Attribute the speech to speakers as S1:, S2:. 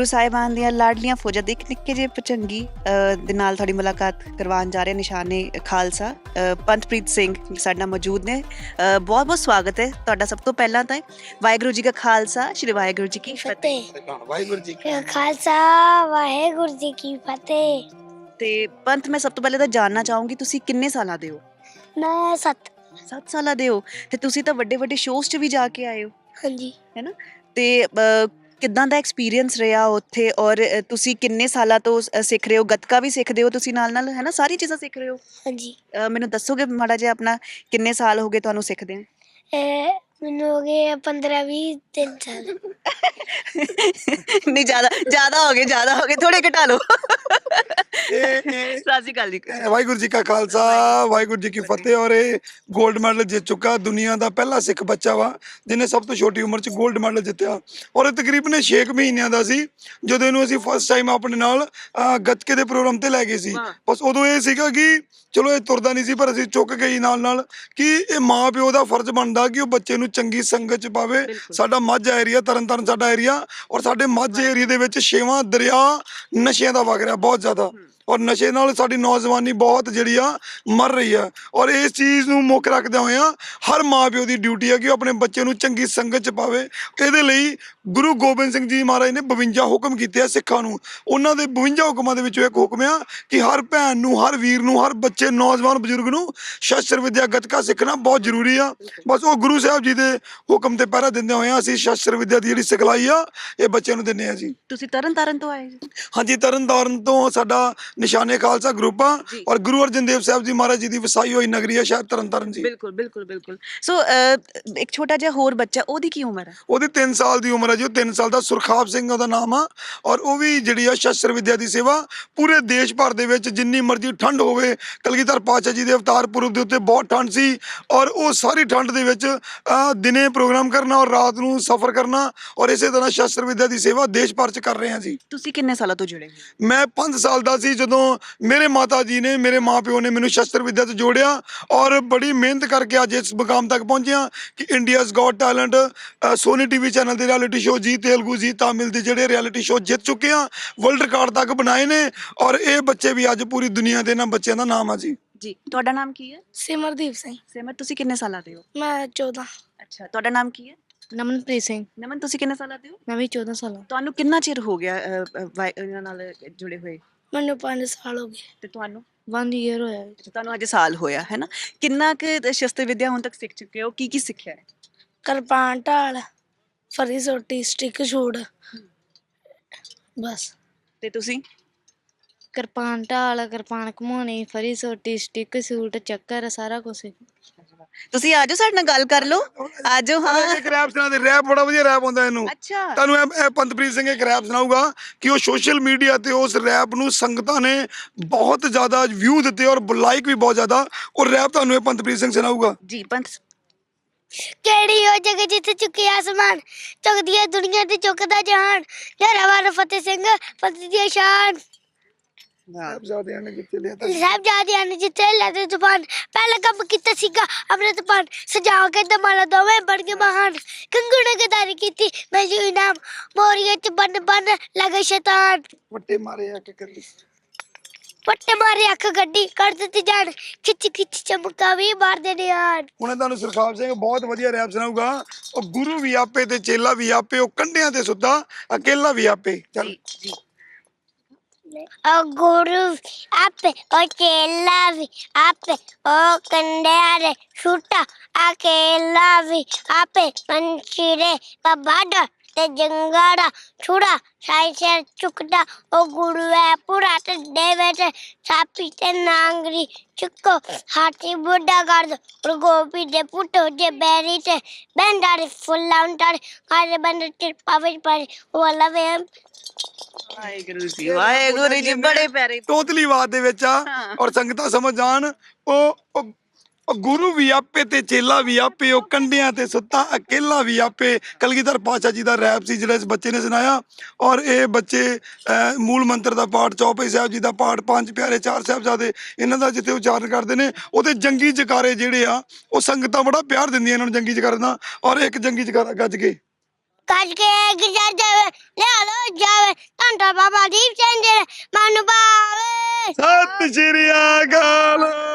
S1: ਸਾਹਿਬਾਨ ਦੀਆਂ ਲਾਡਲੀਆਂ ਫੌਜਾਂ ਦੇ ਇੱਕ ਨਿੱਕੇ ਜਿਹੇ ਭੁਜੰਗੀ ਦੇ ਨਾਲ ਤੁਹਾਡੀ ਮੁਲਾਕਾਤ ਕਰਵਾਉਣ ਜਾ ਰਹੇ ਨਿਸ਼ਾਨੇ ਖਾਲਸਾ ਪੰਥਪ੍ਰੀਤ ਸਿੰਘ ਸਾਡੇ ਨਾਲ ਮੌਜੂਦ ਨੇ। ਬਹੁਤ ਬਹੁਤ ਸਵਾਗਤ ਹੈ ਤੁਹਾਡਾ। ਸਭ ਤੋਂ ਪਹਿਲਾਂ ਤਾਂ ਵਾਹਿਗੁਰੂ ਜੀ ਕਾ ਖਾਲਸਾ, ਸ਼੍ਰੀ ਵਾਹਿਗੁਰੂ ਜੀ ਕੀ ਫਤਿਹ।
S2: ਵਾਹਿਗੁਰੂ ਜੀ ਕਾ ਖਾਲਸਾ, ਵਾਹਿਗੁਰੂ ਜੀ ਕੀ ਫਤਿਹ।
S1: ਤੇ ਪੰਥ, ਮੈਂ ਸਭ ਤੋਂ ਪਹਿਲਾਂ ਤਾਂ ਜਾਣਨਾ ਚਾਹੂੰਗੀ ਤੁਸੀਂ ਕਿੰਨੇ ਸਾਲਾਂ ਦੇ ਹੋ?
S2: ਮੈਂ 7
S1: ਸਾਲਾਂ ਦੇ ਹੋ ਤੇ ਤੁਸੀਂ ਤਾਂ ਵੱਡੇ ਵੱਡੇ ਸ਼ੋਅਸ 'ਚ ਵੀ ਜਾ ਕੇ ਆਏ ਹੋ,
S2: ਹਾਂਜੀ।
S1: ਹੈ ਨਾ? ਤੇ ਕਿੱਦਾਂ ਦਾ ਐਕਸਪੀਰੀਅੰਸ ਰਿਹਾ ਉੱਥੇ? ਔਰ ਤੁਸੀਂ ਕਿੰਨੇ ਸਾਲਾਂ ਤੋਂ ਸਿੱਖ ਰਹੇ ਹੋ? ਗੱਤਕਾ ਵੀ ਸਿੱਖਦੇ ਹੋ ਤੁਸੀਂ ਨਾਲ ਨਾਲ, ਹੈ ਨਾ? ਸਾਰੀ ਚੀਜ਼ਾਂ ਸਿੱਖ ਰਹੇ ਹੋ।
S2: ਹਾਂਜੀ।
S1: ਮੈਨੂੰ ਦੱਸੋਗੇ ਮਾੜਾ ਜਿਹਾ ਆਪਣਾ, ਕਿੰਨੇ ਸਾਲ ਹੋ ਗਏ ਤੁਹਾਨੂੰ ਸਿੱਖਦੇ?
S2: ਮੈਨੂੰ ਹੋ ਗਏ 15-20 3 ਸਾਲ।
S1: ਨਹੀਂ, ਜ਼ਿਆਦਾ ਹੋ ਗਏ, ਥੋੜੇ ਘਟਾ ਲਓ। ਸਤਿ ਸ਼੍ਰੀ ਅਕਾਲ ਜੀ।
S3: ਵਾਹਿਗੁਰੂ ਜੀ ਕਾ ਖਾਲਸਾ, ਵਾਹਿਗੁਰੂ ਜੀ ਕੀ ਫਤਿਹ। ਔਰ ਇਹ 골ਡ ਮੈਡਲ ਜਿੱਤ ਚੁੱਕਾ, ਦੁਨੀਆ ਦਾ ਪਹਿਲਾ ਸਿੱਖ ਬੱਚਾ ਵਾ ਜਿਹਨੇ ਸਭ ਤੋਂ ਛੋਟੀ ਉਮਰ 'ਚ 골ਡ ਮੈਡਲ ਜਿੱਤਿਆ। ਔਰ ਇਹ ਤਕਰੀਬਨ 6 ਮਹੀਨਿਆਂ ਦਾ ਸੀ ਜਦੋਂ ਇਹਨੂੰ ਅਸੀਂ ਫਸਟ ਟਾਈਮ ਆਪਣੇ ਨਾਲ ਗੱਤਕੇ ਦੇ ਪ੍ਰੋਗਰਾਮ ਤੇ ਲੈ ਗਏ ਸੀ। ਬਸ ਉਦੋਂ ਇਹ ਸੀਗਾ ਕਿ ਚਲੋ ਇਹ ਤੁਰਦਾ ਨਹੀਂ ਸੀ, ਪਰ ਅਸੀਂ ਚੁੱਕ ਗਈ ਨਾਲ ਕਿ ਇਹ ਮਾਂ ਪਿਓ ਦਾ ਫਰਜ਼ ਬਣਦਾ ਕਿ ਉਹ ਬੱਚੇ ਨੂੰ ਚੰਗੀ ਸੰਗਤ 'ਚ ਪਾਵੇ। ਸਾਡਾ ਮਾਝਾ ਏਰੀਆ, ਤਰਨਤਾਰਨ ਸਾਡਾ ਏਰੀਆ, ਔਰ ਸਾਡੇ ਮਾਝੇ ਏਰੀਏ ਦੇ ਵਿੱਚ 6ਵਾਂ ਦਰਿਆ ਨਸ਼ਿਆਂ ਦਾ ਵਗ ਰਿਹਾ ਬਹੁਤ ਜ਼ਿਆਦਾ, ਔਰ ਨਸ਼ੇ ਨਾਲ ਸਾਡੀ ਨੌਜਵਾਨੀ ਬਹੁਤ ਜਿਹੜੀ ਆ ਮਰ ਰਹੀ ਆ। ਔਰ ਇਸ ਚੀਜ਼ ਨੂੰ ਮੁੱਖ ਰੱਖਦਿਆਂ ਹੋਇਆਂ ਹਰ ਮਾਂ ਪਿਓ ਦੀ ਡਿਊਟੀ ਹੈ ਕਿ ਉਹ ਆਪਣੇ ਬੱਚੇ ਨੂੰ ਚੰਗੀ ਸੰਗਤ 'ਚ ਪਾਵੇ। ਇਹਦੇ ਲਈ ਗੁਰੂ ਗੋਬਿੰਦ ਸਿੰਘ ਜੀ ਮਹਾਰਾਜ ਨੇ 52 ਹੁਕਮ ਕੀਤੇ ਆ ਸਿੱਖਾਂ ਨੂੰ। ਉਹਨਾਂ ਦੇ 52 ਹੁਕਮਾਂ ਦੇ ਵਿੱਚੋਂ ਇੱਕ ਹੁਕਮ ਆ ਕਿ ਹਰ ਭੈਣ ਨੂੰ, ਹਰ ਵੀਰ ਨੂੰ, ਹਰ ਬੱਚੇ, ਨੌਜਵਾਨ, ਬਜ਼ੁਰਗ ਨੂੰ ਸ਼ਸਤਰ ਵਿਦਿਆ ਗੱਤਕਾ ਸਿੱਖਣਾ ਬਹੁਤ ਜ਼ਰੂਰੀ ਆ। ਬਸ ਉਹ ਗੁਰੂ ਸਾਹਿਬ ਜੀ ਦੇ ਹੁਕਮ ਤੇ ਪਹਿਰਾ ਦਿੰਦੇ ਹੋਏ ਅਸੀਂ ਸ਼ਸਤਰ ਵਿਦਿਆ ਦੀ ਜਿਹੜੀ ਸਿਖਲਾਈ ਆ ਇਹ ਬੱਚਿਆਂ ਨੂੰ ਦਿੰਦੇ ਆ ਜੀ।
S1: ਤੁਸੀਂ ਤਰਨਤਾਰਨ ਤੋਂ ਆਏ ਜੀ?
S3: ਹਾਂਜੀ, ਤਰਨਤਾਰਨ ਤੋਂ ਸਾਡਾ ਨਿਸ਼ਾਨੇ ਖਾਲਸਾ ਗਰੁੱਪ ਆ, ਔਰ ਗੁਰੂ ਅਰਜਨ ਦੇਵ ਸਾਹਿਬ ਜੀ ਮਹਾਰਾਜ ਜੀ ਦੀ ਵਸਾਈ ਹੋਈ ਨਗਰੀ ਆ ਸ਼ਹਿਰ ਤਰਨਤਾਰਨ ਜੀ।
S1: ਬਿਲਕੁਲ। ਸੋ ਇੱਕ ਛੋਟਾ ਜਿਹਾ ਹੋਰ ਬੱਚਾ, ਉਹਦੀ ਕੀ ਉਮਰ ਹੈ?
S3: ਉਹਦੀ 3 ਸਾਲ ਦੀ ਉਮਰ ਹੈ ਜੀ। ਉਹ 3 ਸਾਲ ਦਾ ਸੁਰਖਾਬ ਸਿੰਘ ਉਹਦਾ ਨਾਮ ਆ। ਔਰ ਉਹ ਵੀ ਜਿਹੜੀ ਆ ਸ਼ਸਤਰ ਵਿਦਿਆ ਦੀ ਸੇਵਾ ਪੂਰੇ ਦੇਸ਼ ਭਰ ਦੇ ਵਿੱਚ ਜਿੰਨੀ ਮਰਜ਼ੀ ਠੰਡ ਹੋਵੇ, ਕਲਗੀਧਰ ਪਾਤਸ਼ਾਹ ਜੀ ਦੇ ਅਵਤਾਰ ਪੁਰਬ ਦੇ ਉੱਤੇ ਬਹੁਤ ਠੰਡ ਸੀ, ਔਰ ਉਹ ਸਾਰੀ ਠੰਡ ਦੇ ਵਿੱਚ ਦਿਨੇ ਪ੍ਰੋਗਰਾਮ ਕਰਨਾ ਔਰ ਰਾਤ ਨੂੰ ਸਫ਼ਰ ਕਰਨਾ, ਔਰ ਇਸੇ ਤਰ੍ਹਾਂ ਸ਼ਸਤਰ ਵਿਦਿਆ ਦੀ ਸੇਵਾ ਦੇਸ਼ ਭਰ 'ਚ ਕਰ ਰਹੇ ਹਾਂ ਜੀ।
S1: ਤੁਸੀਂ ਕਿੰਨੇ ਸਾਲਾਂ ਤੋਂ ਜੁੜੇ?
S3: ਮੈਂ 5 ਸਾਲ ਦਾ ਸੀ ਜਦੋਂ ਮੇਰੇ ਮਾਤਾ ਜੀ ਨੇ, ਮੇਰੇ ਮਾਂ ਪਿਓ ਨੇ ਮੈਨੂੰ ਸ਼ਸਤਰ ਵਿਦਿਆ 'ਚ ਜੋੜਿਆ, ਔਰ ਬੜੀ ਮਿਹਨਤ ਕਰਕੇ ਅੱਜ ਇਸ ਮੁਕਾਮ ਤੱਕ ਪਹੁੰਚਿਆ ਕਿ India's got talent, Sony TV channel ਦੇ ਰਿਐਲਿਟੀ ਸ਼ੋਅ, ਜੀ ਤੇਲਗੂ, ਜੀ ਤਾਮਿਲ ਦੇ ਜਿਹੜੇ ਰਿਐਲਿਟੀ ਸ਼ੋਅ ਜਿੱਤ ਚੁੱਕੇ ਆ, ਵਰਲਡ ਰਿਕਾਰਡ ਤੱਕ ਬਣਾਏ ਨੇ। ਔਰ ਇਹ ਬੱਚੇ ਵੀ ਅੱਜ ਪੂਰੀ ਦੁਨੀਆ ਦੇ ਇਹਨਾਂ ਬੱਚਿਆਂ ਦਾ ਨਾਮ ਆ ਜੀ।
S1: ਤੁਹਾਡਾ ਨਾਮ ਕੀ ਹੈ?
S2: ਸਿਮਰਦੀਪ ਸਿੰਘ।
S1: ਸਿਮਰ, ਤੁਸੀਂ ਕਿੰਨੇ ਸਾਲਾਂ ਦੇ ਹੋ?
S2: ਮੈਂ 14।
S1: ਅੱਛਾ, ਤੁਹਾਡਾ ਨਾਮ ਕੀ ਹੈ?
S2: ਨਮਨਪ੍ਰੀਤ ਸਿੰਘ।
S1: ਨਮਨ, ਤੁਸੀਂ ਕਿੰਨੇ ਸਾਲਾਂ ਦੇ ਹੋ?
S2: ਮੈਂ ਵੀ 14 ਸਾਲਾਂ।
S1: ਤੁਹਾਨੂੰ ਕਿੰਨਾ ਚਿਰ ਹੋ ਗਿਆ ਇਹਨਾਂ ਨਾਲ ਜੁੜੇ ਹੋਏ?
S2: ਮੈਨੂੰ 5 ਸਾਲ ਹੋ ਗਏ।
S1: ਤੇ ਤੁਹਾਨੂੰ?
S2: 1 ਈਅਰ ਹੋਇਆ।
S1: ਤੁਹਾਨੂੰ ਅਜੇ ਸਾਲ ਹੋਇਆ, ਹੈ ਨਾ? ਕਿੰਨਾ ਕੁ ਸ਼ਸਤਰ ਵਿਦਿਆ ਹੁਣ ਤੱਕ ਸਿੱਖ ਚੁੱਕੇ ਹੋ? ਕੀ ਸਿੱਖਿਆ ਹੈ?
S2: ਕਿਰਪਾਨ, ਢਾਲ, ਫਰੀ ਸੋਟੀ, ਸਟਿਕ ਸ਼ੂਟ, ਬਸ।
S1: ਤੇ ਤੁਸੀਂ?
S2: ਕਿਰਪਾਨ, ਢਾਲ, ਕਿਰਪਾਨ ਘੁਮਾਉਣੀ, ਫਰੀ ਸੋਟੀ, ਸਟਿਕ ਸ਼ੂਟ, ਚੱਕਰ, ਸਾਰਾ ਕੁਝ।
S1: ਤੁਸੀਂ ਆਜੋ, ਸਾਡੇ ਨਾਲ ਗੱਲ ਕਰ ਲਓ, ਆਜੋ। ਹਾਂ,
S3: ਇੱਕ ਰੈਪ ਸੁਣਾ ਦੇ, ਰੈਪ ਬੜਾ ਵਧੀਆ ਰੈਪ ਹੁੰਦਾ ਇਹਨੂੰ।
S1: ਅੱਛਾ,
S3: ਤੁਹਾਨੂੰ ਇਹ ਪੰਥਪ੍ਰੀਤ ਸਿੰਘ ਇੱਕ ਰੈਪ ਸੁਣਾਊਗਾ ਕਿ ਉਹ ਸੋਸ਼ਲ ਮੀਡੀਆ ਤੇ ਉਸ ਰੈਪ ਨੂੰ ਸੰਗਤਾਂ ਨੇ ਬਹੁਤ ਜ਼ਿਆਦਾ ਵਿਊ ਦਿੱਤੇ ਔਰ ਲਾਈਕ ਵੀ ਬਹੁਤ ਜ਼ਿਆਦਾ। ਉਹ ਰੈਪ ਤੁਹਾਨੂੰ ਇਹ ਪੰਥਪ੍ਰੀਤ ਸਿੰਘ ਸੁਣਾਊਗਾ
S1: ਜੀ। ਪੰਥ,
S2: ਕਿਹੜੀ ਉਹ ਜਗ੍ਹਾ ਜਿੱਥੇ ਚੁੱਕੇ ਆਸਮਾਨ, ਚੁੱਕਦੀ ਹੈ ਦੁਨੀਆ ਤੇ ਚੁੱਕਦਾ ਜਹਾਨ, ਜਰਾਵਾਰ ਫਤਿਹ ਸਿੰਘ ਫਤਿਹ ਦੀ ਸ਼ਾਨ।
S3: ਸਾਹਿਬਜ਼ਾਦਿਆਂ ਨੇ ਜਿੱਥੇ
S2: ਲੈ ਤੇ ਜ਼ੁਬਾਨ, ਪਹਿਲਾ ਕੰਮ ਕੀਤਾ ਸੀਗਾ ਅੰਮ੍ਰਿਤਪਾਨ, ਸਜਾ ਕੇ ਦਮਾਲਾ ਦੋਵੇਂ ਬਣ ਕੇ ਮਹਾਨ, ਕੰਗੂ ਨੇ ਗਦਾਰੀ ਕੀਤੀ ਮੈਂ ਜੀ ਇਨਾਮ, ਮੋਰੀਏ ਚ ਬਨ ਲਗੇ ਸ਼ੈਤਾਨ,
S3: ਵੱਟੇ ਮਾਰੇ ਆ ਕੇ ਕੱਢੀ,
S2: ਵੱਟੇ ਮਾਰੇ ਅੱਖ ਗੱਡੀ ਕਰ ਦਿੱਤੀ ਜਾਨ, ਖਿੱਚ ਚਮਕਾ ਵੀ ਮਾਰਦੇ ਨੇ ਆਨ।
S3: ਹੁਣ ਤੁਹਾਨੂੰ ਸੁਰਖਾਬ ਸਿੰਘ ਬਹੁਤ ਵਧੀਆ ਰੈਪ ਸੁਣਾਊਗਾ। ਉਹ ਗੁਰੂ ਵੀ ਆਪੇ ਤੇ ਚੇਲਾ ਵੀ ਆਪੇ, ਉਹ ਕੰਢਿਆਂ ਤੇ ਸੁੱਤਾ ਅਕੇਲਾ ਵੀ ਆਪੇ। ਚੱਲ
S1: ਜੀ।
S2: O guru ape, o chela vi ape, o kandare shuta akela vi ape, manchire kabada te jangada chura sai ser chukda, o guru है पूरा ते देवे ते सापी ते नांगरी चुको हाथी बुढ़ा कर दो, और गोपी दे पुटो जे बैरी ते बंडारी फुल लाउंटारी कारे बंदर ते पावे पर वो लवे
S1: ਵਾਹਿਗੁਰੂ ਜੀ, ਬੜੇ ਪਿਆਰੇ।
S3: ਤੋਤਲੀ ਆਵਾਜ਼ ਦੇ ਵਿੱਚ ਆ, ਔਰ ਸੰਗਤਾਂ ਸਮਝ ਜਾਣ। ਉਹ ਗੁਰੂ ਵੀ ਆਪੇ ਤੇ ਚੇਲਾ ਵੀ ਆਪੇ, ਉਹ ਕੰਢਿਆਂ ਤੇ ਸੁੱਤਾ ਅਕੇਲਾ ਵੀ ਆਪੇ। ਕਲਗੀਧਰ ਪਾਤਸ਼ਾਹ ਜੀ ਦਾ ਰੈਪ ਸੀ ਜਿਹੜਾ ਇਸ ਬੱਚੇ ਨੇ ਸੁਣਾਇਆ। ਔਰ ਇਹ ਬੱਚੇ ਮੂਲ ਮੰਤਰ ਦਾ ਪਾਠ, ਚੌਪਈ ਸਾਹਿਬ ਜੀ ਦਾ ਪਾਠ, 5 ਪਿਆਰੇ, 4 ਸਾਹਿਬਜ਼ਾਦੇ, ਇਹਨਾਂ ਦਾ ਜਿੱਥੇ ਉਚਾਰਨ ਕਰਦੇ ਨੇ, ਉਹਦੇ ਜੰਗੀ ਜਕਾਰੇ ਜਿਹੜੇ ਆ ਉਹ ਸੰਗਤਾਂ ਬੜਾ ਪਿਆਰ ਦਿੰਦੀਆਂ ਇਹਨਾਂ ਨੂੰ ਜੰਗੀ ਜਕਾਰੇ ਦਾ। ਔਰ ਇੱਕ ਜੰਗੀ ਜਕਾਰਾ ਗੱਜ ਕੇ
S2: गुजर जावे ले लो जावे
S3: ਸਤਿ ਸ਼੍ਰੀ ਅਕਾਲ।